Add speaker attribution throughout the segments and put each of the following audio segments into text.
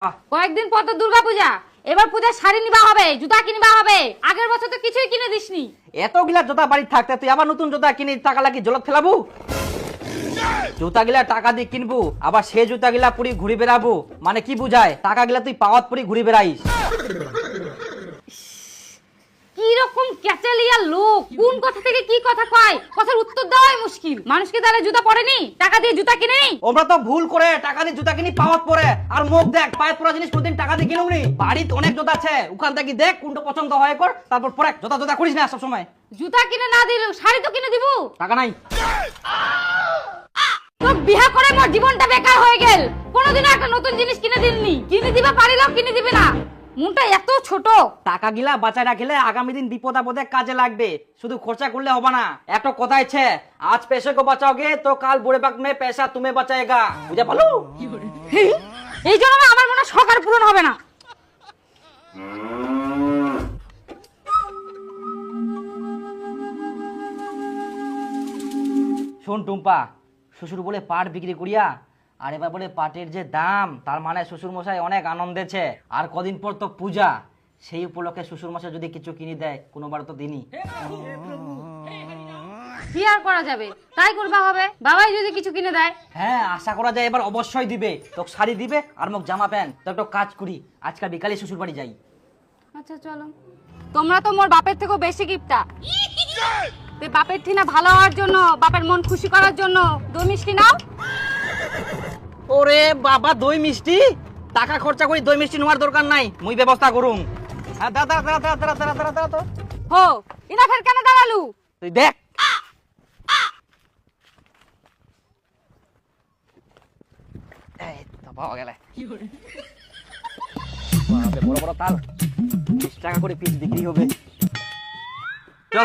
Speaker 1: কয়েকদিন পর তো দুর্গা পূজা, এবার পূজার শাড়ি নিবা হবে, জুতা কিনবা হবে। আগের বছর তো কিছুই কিনে দিসনি।
Speaker 2: এতগুলা জুতা বাড়ি থাকতে তুই আবার নতুন জুতা কিনে টাকা লাগি জলত ফেলাবো? জুতা গিলা টাকা দিয়ে কিনবো, আবার সে জুতা গিলা পুরি ঘুরি বেড়াবো, মানে কি বুঝায়? টাকা গিলা তুই পাওয়াত পুরি ঘুরি বেড়াইস।
Speaker 1: কি রকম ক্যাচালিয়া লোক, কোন কথা থেকে কি কথা কয়, কথার উত্তর দেওয়াই মুশকিল। মানুষকে তারা জুতা পরেনি, টাকা দিয়ে জুতা কিনে।
Speaker 2: ওমরা তো ভুল করে টাকা দিয়ে জুতা কিনি পাওয়াত পরে, আর মুখ দেখ পায়েত পরা জিনিস কোনদিন টাকা দিয়ে কিনুনি। বাড়িতে অনেক জুতা আছে, ওখান থেকে দেখ কোনটা পছন্দ হয় কর, তারপর পরে জুতা জুতা করিস না সব সময়।
Speaker 1: জুতা কিনে না দিল শাড়ি তো কিনে দিব।
Speaker 2: টাকা নাই
Speaker 1: তো বিয়া করে মোর জীবনটা বেকার হয়ে গেল। কোনোদিনও একটা নতুন জিনিস কিনে দিননি, কিনে দিবা পারিলেও কিনে দিবে না। মনটা এত ছোট।
Speaker 2: টাকা গিলা বাঁচায় রাখলে আগামী দিন বিপদ আপদে কাজে লাগবে, শুধু খরচা করলে হবে না। একটা কথা আছে, আজ पैसे को बचाओगे तो काल बुढ़े वक्त में पैसा तुम्हें बचाएगा, বুঝা পালো?
Speaker 1: এই জন্য না আমার মনে শখ আর পূরণ হবে না।
Speaker 2: শোন টুম্পা, শ্বশুর বলে পাট বিক্রি করিয়া আর এবার বলে পাটের যে দাম, তার মানে শ্বশুর মশাই অনেক আনন্দেছে। আর কদিন পর তো পূজা, সেই উপলক্ষে শ্বশুর মশাই যদি কিছু কিনে দেয় কোনোবার তো দিনই।
Speaker 1: কি আর করা যাবে, তাই করবা হবে। বাবাই যদি কিছু কিনে দেয়।
Speaker 2: হ্যাঁ, আশা করা যায় এবার অবশ্যই দিবে। তোকে শাড়ি দিবে আর মোক জামা প্যান্ট। তো একটা কাজ করি, আজকাল বিকালে শ্বশুর বাড়ি যাই।
Speaker 1: আচ্ছা চলো। তোমরা তো মোর বাপের থেকেও বেশি গিফটটা। বাপের ঠিনা ভালো হওয়ার জন্য, বাপের মন খুশি করার জন্য দই মিষ্টি নাও।
Speaker 2: ওরে বাবা, দই মিষ্টি? টাকা খরচা করি দই মিষ্টি নেওয়ার দরকার নাই, মুই ব্যবস্থা করুম। হ্যাঁ দাঁড়া দাঁড়া দাঁড়া দাঁড়া দাঁড়া দাঁড়া দাঁড়া তো।
Speaker 1: হো ইনা ফের কেন দাঁড়ালু?
Speaker 2: তুই দেখ, এই তো পাওয়া গেলে। বাপরে, বড় বড় তাল, 20 টাকা করে পিস বিক্রি হবে। চল।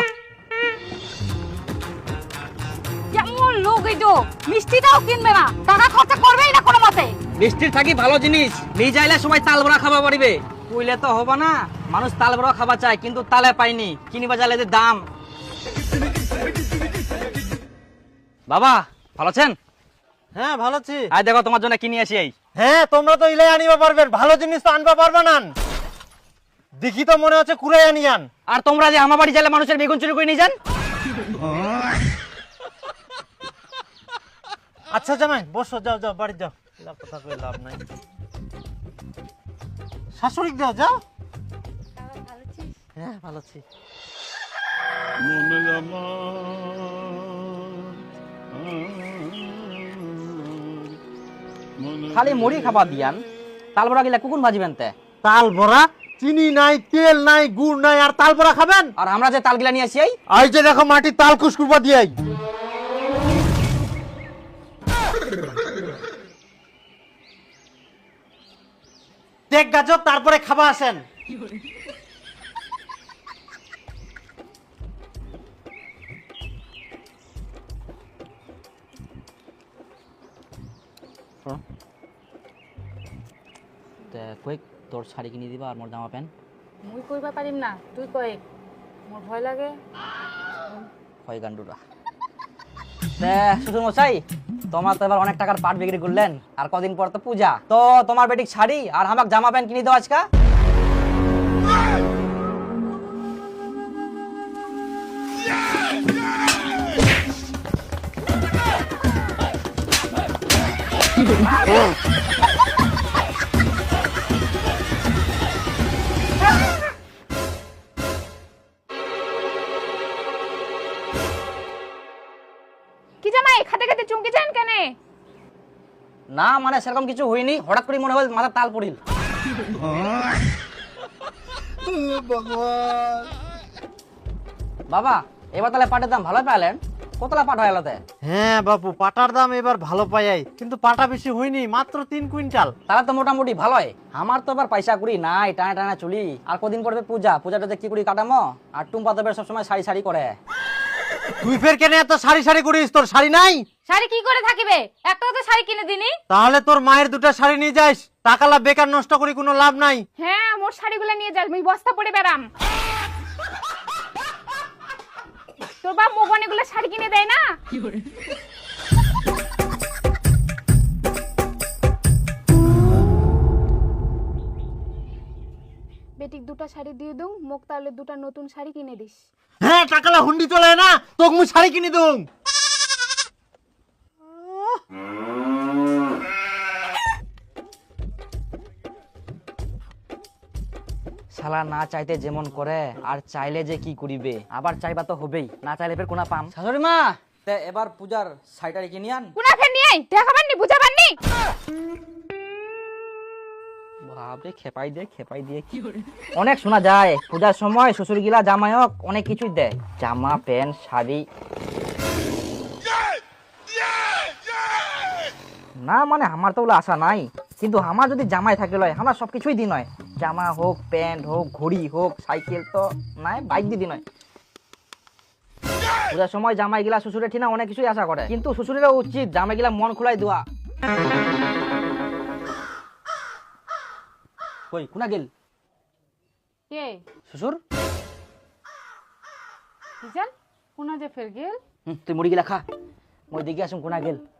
Speaker 1: কেমন লোক এই তো, মিষ্টিটাও কিনবে না, টাকা খরচা করবেই না কোনো মতে।
Speaker 2: মিষ্টির থাকি ভালো জিনিস নিয়ে যাইলে সবাই তাল বড়া খাবা পারিবে, কইলে তো হবে না। মানুষ তাল বড়া খাবা চায় কিন্তু তালে পাইনি, কিনিবা যাইলে যে দাম। বাবা ভালো আছেন?
Speaker 3: হ্যাঁ ভালো আছি।
Speaker 2: আয় দেখো তোমার জন্য কিনে আসি। এই
Speaker 3: হ্যাঁ তোমরা তো ইলাই আনিবা পারবেন, ভালো জিনিস তো আনবা পারবা না। দেখি তো মনে হচ্ছে কুড়াই আনিয়ান।
Speaker 2: আর তোমরা যে আমার বাড়ি যাইলে মানুষের বেগুন চুরি করে নিয়ে যান।
Speaker 3: আচ্ছা জামাই বসো, যাও যাও বাড়ি যাও, কথা কই লাভ নাই। শাশুড়ি দাও, যাও। হ্যাঁ ভালো আছি।
Speaker 2: খালি মুড়ি খাবার দিয়ান, তাল বড়া গিলা কুকুন ভাজিবেন তে।
Speaker 3: তাল বড়া? চিনি নাই, তেল নাই, গুড় নাই, আর তাল বড়া খাবেন?
Speaker 2: আর আমরা যে তাল গিলা নিয়ে আসি,
Speaker 3: এই যে দেখো মাটি তাল কুসকুরবা দিয়াই। দেখ গাজর, তারপরে খাবা আসেন।
Speaker 2: কয়েক তোর শাড়ি কিনে দিবা আর মোর জামা প্যান্ট।
Speaker 1: মুই কইবা পারিম না, তুই কই। মোর ভয় লাগে।
Speaker 2: হয় গান্ডুরা। শ্বশুর মশাই, তোমার তো এবার অনেক টাকার পাট বিক্রি করলেন, আর কদিন পর তো পূজা, তো তোমার বেটিক শাড়ি আর আমাকে জামা প্যান্ট কিনে দাও আজকা।
Speaker 1: কি জামাই খাতে খাতে চুমকি যান কেন?
Speaker 2: না মানে সেরকম কিছু হয়নি, হঠাৎ করে মনে হয় মাথা তাল পড়িল। বাবা এবার তাহলে পাটের দাম ভালো পাইলেন, কতলা পাট হয় এলাতে?
Speaker 3: হ্যাঁ বাপু, পাটার দাম এবার ভালো পাই, কিন্তু পাটা বেশি হয়নি, মাত্র 3 কুইন্টাল।
Speaker 2: তাহলে তো মোটামুটি ভালোই। আমার তো এবার পয়সা করি নাই, টানা টানা চলি। আর কদিন পরে পূজা, পূজাটাতে কি করি কাটামো। আর টুম্পা তো সবসময় শাড়ি শাড়ি করে।
Speaker 3: তুই ফের কেন এত শাড়ি শাড়ি করিস? তোর শাড়ি নাই?
Speaker 1: শাড়ি কি করে থাকিবে, একটাও তো শাড়ি কিনে দিনি।
Speaker 3: তাহলে তোর মায়ের দুটো শাড়ি নিয়ে যাস, টাকালা বেকার নষ্ট করি কোনো লাভ নাই।
Speaker 1: হ্যাঁ মোর শাড়িগুলো নিয়ে যাস, আমি বস্তা পরে বেরাম। তোর বাপ মোগন এগুলো শাড়ি কিনে দেয় না। বেটিক দুটা শাড়ি দিয়ে দઉં মোক তাহলে দুটা নতুন শাড়ি কিনে দিস।
Speaker 3: হ্যাঁ টাকালা হুন্ডি চলে না তোকে মুই শাড়ি কিনে দুং।
Speaker 2: শালা না চাইতে যেমন করে আর চাইলে যে কি করিবে, আবার চাইবা তো হবেই, না চাইলে ফের কোনা পাম। শাশুড়ি মা তে এবার পূজার শাড়িটা কিনে আন।
Speaker 1: কোনা ফের নিয়ে আই দেখাবার নি বুঝাবার নি।
Speaker 2: বাপরে খেপাই দিয়ে কি অনেক শোনা যায় পূজার সময় শ্বশুর গিলা জামাইক অনেক কিছুই দেয়, জামা প্যান্ট শাড়ি। না মানে আমার তো ওগুলো আশা নাই, কিন্তু আমার যদি জামাই থাকে লয় আমার সবকিছুই দিন হয়, জামা হোক প্যান্ট হোক ঘড়ি হোক সাইকেল তো নাই, বাইক দিয়ে দিন হয়। পূজার সময় জামাই গিলা শ্বশুরের ঠিনা অনেক কিছুই আশা করে, কিন্তু শ্বশুরেরও উচিত জামাই গিলা মন খোলাই দেওয়া। কই কোনা গেল
Speaker 1: কে
Speaker 2: শ্বশুর?
Speaker 1: কিজান কোনা যে ফের গেল।
Speaker 2: তুই মুড়ি গিলা খা, মই দেখে আসুন কোনা গেল।